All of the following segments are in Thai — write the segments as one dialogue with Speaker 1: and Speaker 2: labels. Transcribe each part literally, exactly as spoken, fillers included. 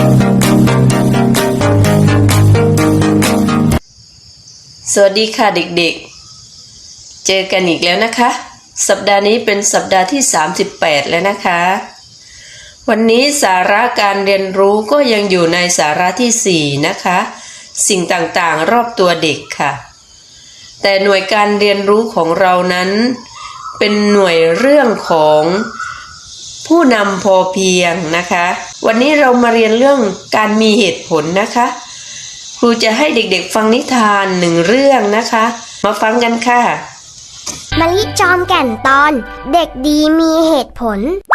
Speaker 1: สวัสดีค่ะเด็กๆเจอกันอีกแล้วนะคะสัปดาห์นี้เป็นสัปดาห์ที่สามสิบแปดแล้วนะคะวันนี้สาระการเรียนรู้ก็ยังอยู่ในสาระที่สี่นะคะสิ่งต่างๆรอบตัวเด็กค่ะแต่หน่วยการเรียนรู้ของเรานั้นเป็นหน่วยเรื่องของผู้นำพอเพียงนะคะวันนี้เรามาเรียนเรื่องการมีเหตุผลนะคะครูจะให้เด็กๆฟังนิทานหนึ่งเรื่องนะคะมาฟังกันค่ะ
Speaker 2: มะลิจอมแก่นตอนเด็กดีมีเหตุผล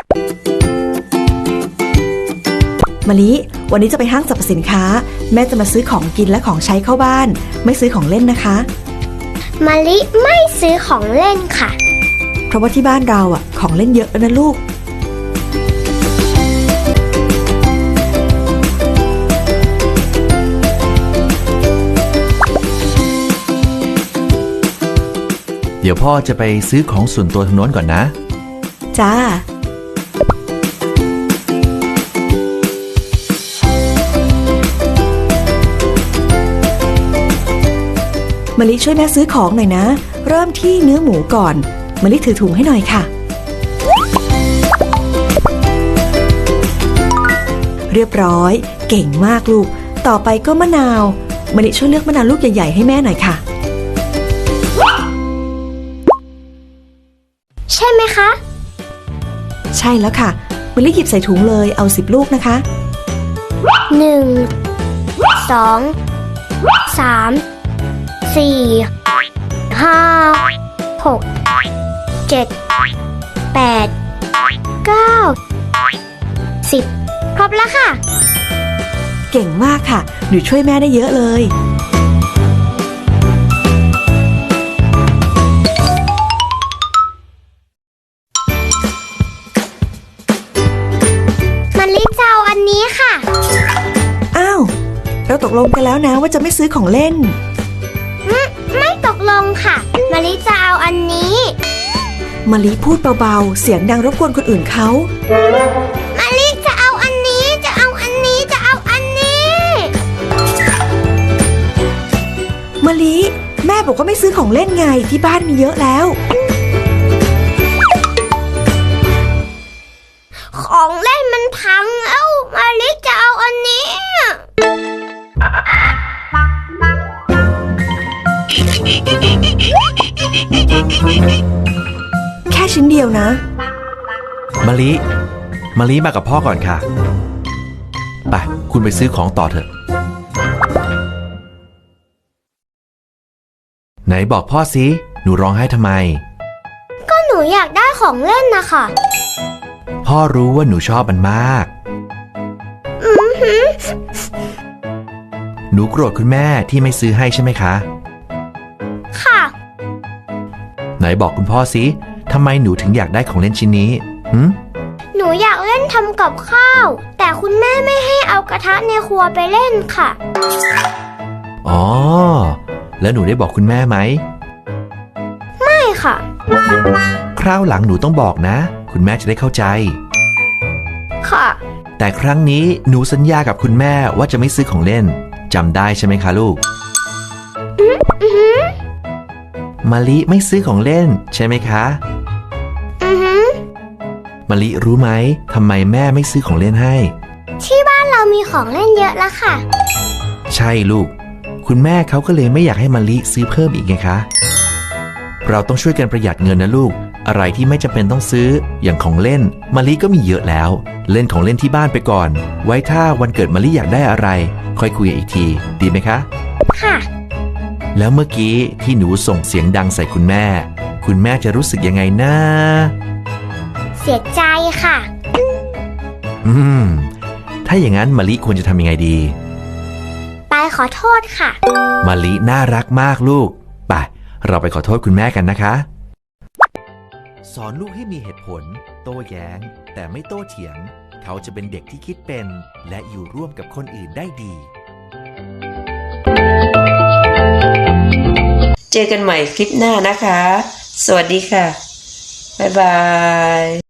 Speaker 3: มะลิวันนี้จะไปห้างสรรพสินค้าแม่จะมาซื้อของกินและของใช้เข้าบ้านไม่ซื้อของเล่นนะคะ
Speaker 2: มะลิไม่ซื้อของเล่นค่ะ
Speaker 3: เพราะว่าที่บ้านเราอ่ะของเล่นเยอะนะลูก
Speaker 4: เดี๋ยวพ่อจะไปซื้อของส่วนตัวทางโน้นก่อนนะ
Speaker 3: จ้า มะลิช่วยแม่ซื้อของหน่อยนะเริ่มที่เนื้อหมูก่อนมะลิถือถุงให้หน่อยค่ะเรียบร้อยเก่งมากลูกต่อไปก็มะนาวมะลิช่วยเลือกมะนาวลูกใหญ่ๆให้แม่หน่อยค่ะ
Speaker 2: ใช่ไหมคะ
Speaker 3: ใช่แล้วค่ะมะลิหยิบใส่ถุงเลยเอาสิบลูกนะคะ
Speaker 2: หนึ่งสองสามสี่ห้าหกเจ็ดแปดเก้าสิบครบแล้วค่ะ
Speaker 3: เก่งมากค่ะหนูช่วยแม่ได้เยอะเลย
Speaker 2: มะลิจะเอาอันนี้ค่ะ
Speaker 3: อ้าวเราตกลงกันแล้วนะว่าจะไม่ซื้อของเล่น
Speaker 2: ไม่ตกลงค่ะมะลิจะเอาอันนี้
Speaker 3: มะลิพูดเบาๆเสียงดังรบกวนคนอื่นเขา
Speaker 2: มะลิจะเอาอันนี้จะเอาอันนี้จะเอาอันนี้
Speaker 3: มะลิแม่บอกว่าไม่ซื้อของเล่นไงที่บ้านมีเยอะแล้ว
Speaker 2: ของเล่นมันพังแล้วมะลิจะเอาอันนี้
Speaker 3: แค่ชิ้นเดียวนะ
Speaker 4: มะลิมะลิมากับพ่อก่อนค่ะไปคุณไปซื้อของต่อเถอะไหนบอกพ่อสิหนูร้องไห้ทำไม
Speaker 2: ก็หนูอยากได้ของเล่นนะคะ
Speaker 4: พ่อรู้ว่าหนูชอบมันมาก
Speaker 2: อือหือ
Speaker 4: หนูโกรธคุณแม่ที่ไม่ซื้อให้ใช่ไหมคะ
Speaker 2: ค่ะ
Speaker 4: ไหนบอกคุณพ่อสิทำไมหนูถึงอยากได้ของเล่นชิ้นนี้หืม
Speaker 2: หนูอยากเล่นทำกับข้าวแต่คุณแม่ไม่ให้เอากระทะในครัวไปเล่นค่ะ
Speaker 4: อ๋อแล้วหนูได้บอกคุณแม่ไหม
Speaker 2: ไม่ค่ะ
Speaker 4: คราวหลังหนูต้องบอกนะคุณแม่จะได้เข้าใจ
Speaker 2: ค่ะ
Speaker 4: แต่ครั้งนี้หนูสัญญากับคุณแม่ว่าจะไม่ซื้อของเล่นจำได้ใช่ไหมคะลูก
Speaker 2: อืออือ
Speaker 4: มะลิไม่ซื้อของเล่นใช่ไหมคะ
Speaker 2: อือหือ
Speaker 4: มะลิรู้ไหมทำไมแม่ไม่ซื้อของเล่นให้
Speaker 2: ที่บ้านเรามีของเล่นเยอะแล้วค่ะ
Speaker 4: ใช่ลูกคุณแม่เขาก็เลยไม่อยากให้มะลิซื้อเพิ่มอีกไงคะเราต้องช่วยกันประหยัดเงินนะลูกอะไรที่ไม่จำเป็นต้องซื้ออย่างของเล่นมะลิก็มีเยอะแล้วเล่นของเล่นที่บ้านไปก่อนไว้ถ้าวันเกิดมะลิอยากได้อะไรค่อยคุยอีกทีดีไหมคะ
Speaker 2: ค่ะ
Speaker 4: แล้วเมื่อกี้ที่หนูส่งเสียงดังใส่คุณแม่คุณแม่จะรู้สึกยังไงนะ
Speaker 2: เสียใจค่ะ
Speaker 4: อืมถ้าอย่างนั้นมะลิควรจะทำยังไงดี
Speaker 2: ไปขอโทษค่ะ
Speaker 4: มะลิน่ารักมากลูกไปเราไปขอโทษคุณแม่กันนะคะสอนลูกให้มีเหตุผลโต้แย้งแต่ไม่โต้เถียงเขาจะเป็นเด็กที่คิดเป็นและอยู่ร่วมกับคนอื่นได้ดี
Speaker 1: เจอกันใหม่คลิปหน้านะคะสวัสดีค่ะบ๊ายบาย